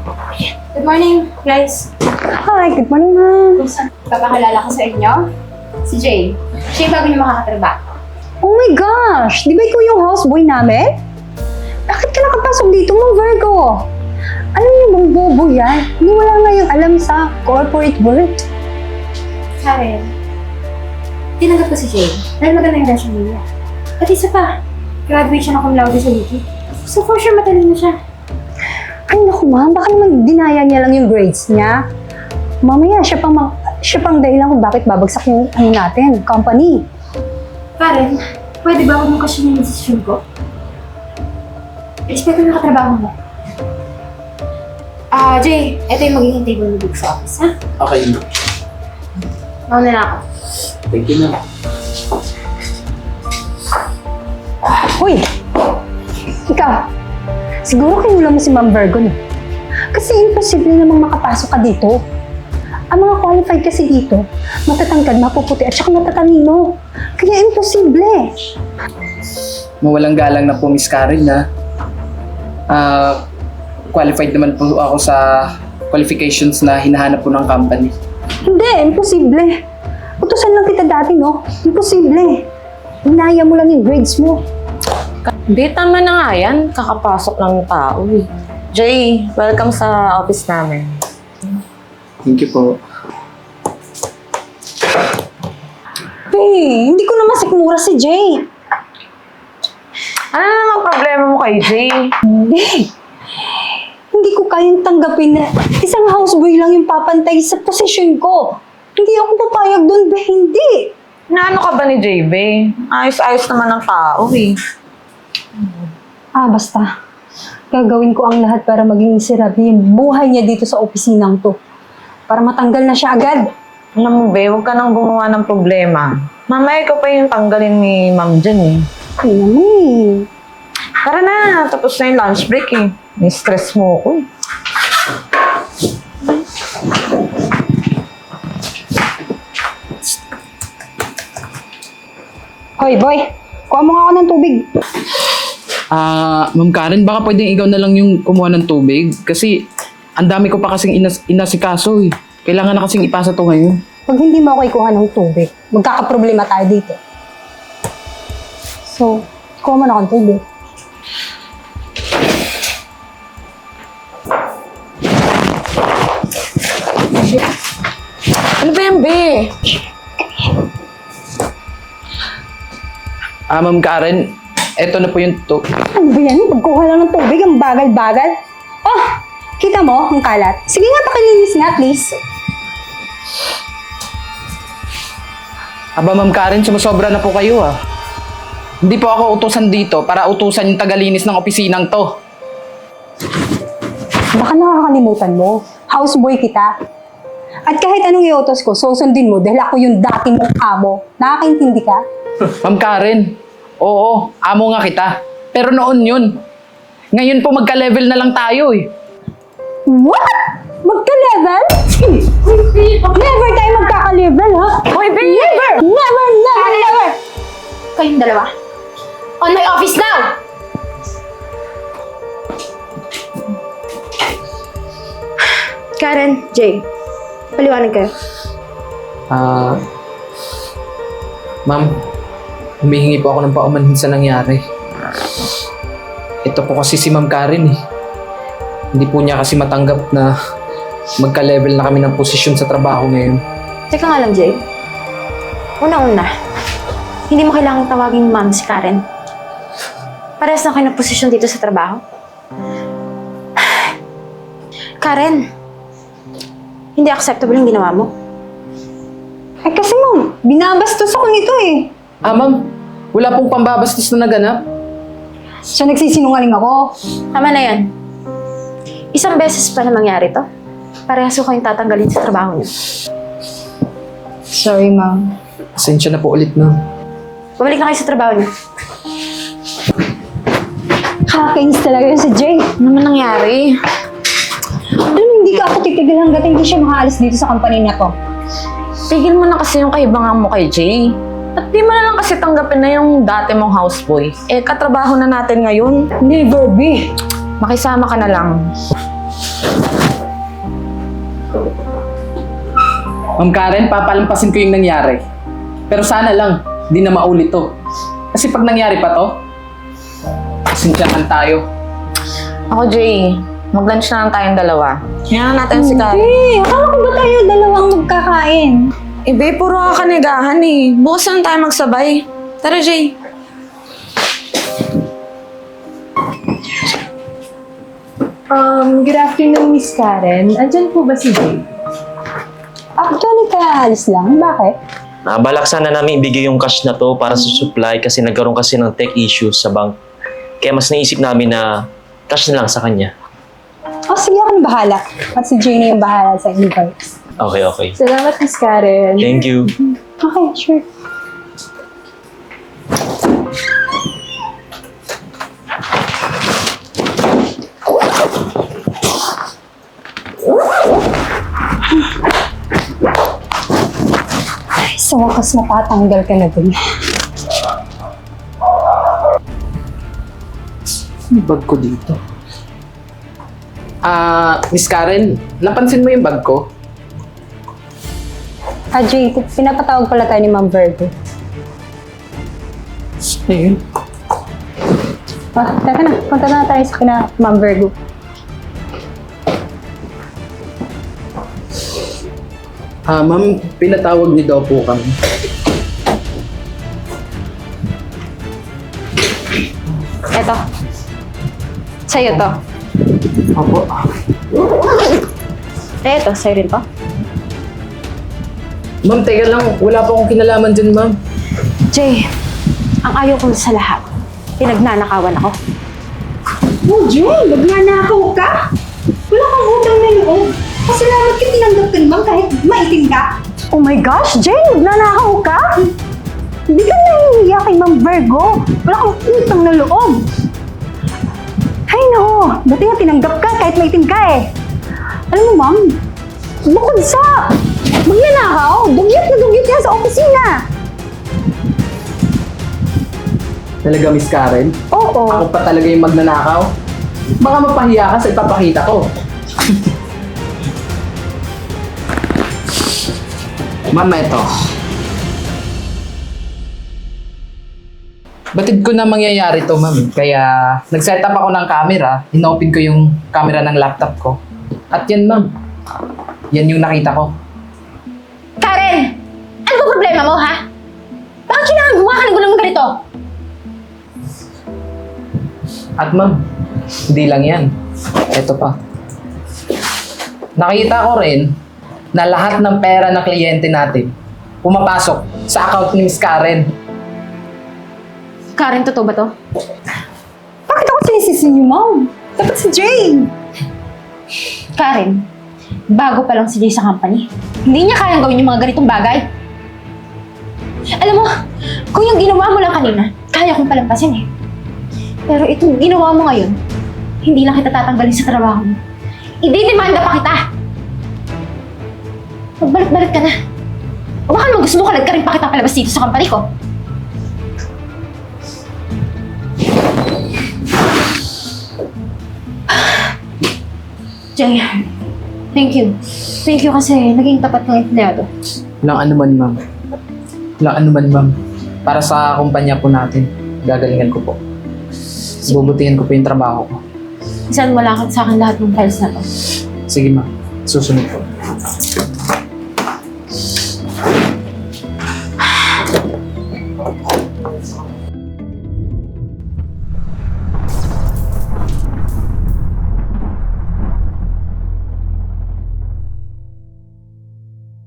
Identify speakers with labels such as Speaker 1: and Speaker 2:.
Speaker 1: Good morning, guys.
Speaker 2: Hi, good morning, ma'am.
Speaker 1: Papakilala ko sa inyo, si Jay. Siya yung bago niyo makakatrabaho.
Speaker 2: Oh my gosh! Di ba ikaw yung houseboy namin? Bakit ka nakapasok dito, Ma'am Virgo? Ano yung bang bobo yan? Hindi wala nga yung alam sa corporate world.
Speaker 1: Karen, tinanggap ko si Jay dahil maganda yung resume niya. At isa pa, graduate siya ng cum laude sa UP. So for sure matalino siya.
Speaker 2: Ay naku, ma'am, baka naman dinaya niya lang yung grades niya. Mamaya, siya pang dahilan kung bakit babagsak yung natin, company.
Speaker 1: Karen, pwede ba huwag mo kasi yung decision ko? Respeto na katrabaho mo. Jay, ito yung magiging table mo dito sa office, ha?
Speaker 3: Okay.
Speaker 1: Mauna na ako.
Speaker 3: Thank you na.
Speaker 2: Hoy! Ikaw, siguro kinulang mo si Ma'am Virgo, no? Kasi imposible namang makapasok ka dito. Ang mga qualified kasi dito, matatangkad, mapuputi, at saka matatalino. Kaya imposible.
Speaker 3: Mawalang galang na po, Miss Karen, ha? Qualified naman po ako sa qualifications na hinahanap po ng company.
Speaker 2: Hindi, imposible. Utusan lang kita dati, no? Imposible. Hinaya mo lang yung grades mo.
Speaker 4: Di, tama na nga yan. Kakapasok lang ng tao eh. Jay, welcome sa office namin.
Speaker 3: Thank you po.
Speaker 2: Hey, hindi ko naman sikmura si Jay.
Speaker 4: Ano namang problema mo kay Jay?
Speaker 2: Hindi. Hindi ko kayang tanggapin na isang houseboy lang yung papantay sa posisyon ko. Hindi ako papayag doon, be. Hindi.
Speaker 4: Naano ka ba ni JB? Ayos-ayos naman ng tao eh.
Speaker 2: Basta. Gagawin ko ang lahat para maging miserable yung buhay niya dito sa opisinang to. Para matanggal na siya agad.
Speaker 4: Alam mo be, huwag ka nang gumawa ng problema. Mamaya ikaw pa yung tanggalin ni Ma'am Jen eh.
Speaker 2: Ay naman
Speaker 4: Tara na, tapos na yung lunch break eh. May stress mo ako eh.
Speaker 2: Hoy, boy. Kuha mo nga ako ng tubig.
Speaker 3: Ma'am Karen, baka pwedeng ikaw na lang yung kumuha ng tubig. Kasi ang dami ko pa kasing inasikaso eh. Kailangan na kasing ipasa to ngayon.
Speaker 2: Pag hindi mo ako ikuha ng tubig, magkakaproblema tayo dito. So, kuha mo na akong tubig.
Speaker 4: Ano ba yan be?
Speaker 3: Ma'am Karen, eto na po yung
Speaker 2: Ano ba yan? Pagkuha lang ng tubig, ang bagal-bagal. Oh, kita mo ang kalat? Sige nga, pakilinis nga, please.
Speaker 3: Aba, Ma'am Karen, sumusobra na po kayo ah. Hindi po ako utusan dito para utusan yung tagalinis ng opisinang to.
Speaker 2: Baka nakakalimutan mo. Houseboy kita. At kahit anong iutos ko, susundin mo dahil ako yung dating mong amo. Nakakaintindi ka?
Speaker 3: Ma'am Karen, oo, amo nga kita. Pero noon yun. Ngayon po magka-level na lang tayo eh.
Speaker 2: What? Magka-level? Never tayo magkaka-level, ha?
Speaker 4: Hoy be!
Speaker 2: Never! Never, never, never!
Speaker 1: Kayong dalawa. On my office now! Karen, Jay, paliwanag kayo.
Speaker 3: Ma'am, humihingi po ako ng paumanhin sa nangyari. Ito po kasi si Ma'am Karen eh. Hindi po niya kasi matanggap na magka-level na kami ng posisyon sa trabaho ngayon.
Speaker 1: Teka nga lang, Jay. Una-una, hindi mo kailangang tawagin ma'am si Karen. Parehas na kayo ng posisyon dito sa trabaho. Karen, hindi acceptable yung ginawa mo.
Speaker 2: Ay kasi ma'am, binabastos ako nito eh.
Speaker 3: Ma'am, wala pong pambabastos na naganap.
Speaker 2: So nagsisinungaling ako.
Speaker 1: Tama na yan. Isang beses pa na mangyari to. Parehas ko kayong tatanggalin sa trabaho niyo.
Speaker 2: Sorry, ma'am.
Speaker 3: Pasensya na po ulit, ma'am.
Speaker 1: Bumalik na kayo sa trabaho niyo.
Speaker 2: Kakainis talaga yun si Jay.
Speaker 4: Ano naman nangyari?
Speaker 2: Alam, hindi ka ako titigil hanggat hindi siya makaalis dito sa company na to.
Speaker 4: Tigil mo na kasi yung kaibangan mo kay Jay. At di mo na lang kasi tanggapin na yung dati mong houseboy. Eh, katrabaho na natin ngayon.
Speaker 2: Never be.
Speaker 4: Makisama ka na lang.
Speaker 3: Ma'am Karen, papalampasin ko yung nangyari. Pero sana lang, di na maulit to. Kasi pag nangyari pa to, pasensyahan tayo.
Speaker 4: Ako, Jay, mag-lunch na lang tayong dalawa. Hinaan natin si Karen.
Speaker 2: Eh, akala ko ba tayo dalawang magkakain?
Speaker 4: Eh, babe, puro kakanigahan eh. Bukas lang tayo magsabay. Tara, Jay.
Speaker 5: Good afternoon, Miss Karen. Andyan po ba si Jay?
Speaker 2: Actually, kaalis lang. Bakit?
Speaker 6: Nabalak sana namin ibigay yung cash na to para sa supply kasi nagkaroon kasi ng tech issues sa bank. Kaya mas naisip namin na cash na lang sa kanya.
Speaker 2: Oh, sige, ako na bahala. At si Jay na yung bahala sa invoice.
Speaker 6: Okay, okay.
Speaker 5: Salamat, Miss Karen.
Speaker 6: Thank you.
Speaker 2: Okay, sure. Ay, sa wakas matatanggal ka na dun.
Speaker 3: Yung bag ko dito. Miss Karen, napansin mo yung bag ko?
Speaker 2: Ah, Jay, pinapatawag pala tayo ni Ma'am Virgo.
Speaker 3: Ayun.
Speaker 2: Ah, teka na. Punta na tayo sa kina Ma'am Virgo.
Speaker 3: Ma'am, pinatawag niyo daw po kami.
Speaker 1: Eto. Sa'yo to.
Speaker 3: Opo.
Speaker 1: Eto, sa'yo rin to.
Speaker 3: Ma'am, teka lang. Wala pa akong kinalaman dyan, ma'am.
Speaker 1: Jay, ang ayaw ko sa lahat, pinagnanakawan ako.
Speaker 2: Oh, Jay! Nagnanakaw ka? Wala kang utang na loob. Pasalamat ka tinanggap ka naman kahit maitim ka. Oh my gosh, Jay! Nagnanakaw ka? Hindi ka nahihiya kay Ma'am Virgo. Wala kang utang na loob. Ay no, buti nga tinanggap ka kahit maitim ka eh. Alam mo, Ma'am, bukod sa magnanakaw, dugyot na dugyot yan sa opisina.
Speaker 3: Talaga, Miss Karen?
Speaker 2: Oo.
Speaker 3: Ako pa talaga yung magnanakaw? Baka mapahiya ka sa ipapakita ko. Ma'am, eto. Batid ko na mangyayari to, ma'am. Kaya nag-set up ako ng camera. Inopen ko yung camera ng laptop ko. At yan, ma'am. Yan yung nakita ko.
Speaker 1: Karen! Ano ba problema mo, ha? Bakit kailangan gumawa ka ng gulo ng ganito?
Speaker 3: At ma'am, hindi lang yan. Ito pa. Nakita ko rin na lahat ng pera ng kliyente natin pumapasok sa account ni Miss Karen.
Speaker 1: Karen, totoo ba to?
Speaker 2: Bakit ako sinisisi niyo, Ma'am? Dapat si Jane.
Speaker 1: Karen, bago pa lang si Jay sa company. Hindi niya kayang gawin yung mga ganitong bagay. Alam mo, kung yung ginawa mo lang kanina, kaya kong palampasin eh. Pero itong ginawa mo ngayon, hindi lang kita tatanggalin sa trabaho mo. Ididemanda pa kita! Magbalik-balik ka na. O baka naman gusto mo kalag ka rin pa kita palabas dito sa company ko. Jay, thank you. Thank you kasi naging tapat ng empleyado.
Speaker 3: Walang anuman, ma'am. Walang anuman, ma'am. Para sa kumpanya po natin, gagalingan ko po. Bubutihan ko po yung trabaho ko.
Speaker 1: Saan mo lang sa akin lahat ng files na to.
Speaker 3: Sige, ma'am. Susunod po.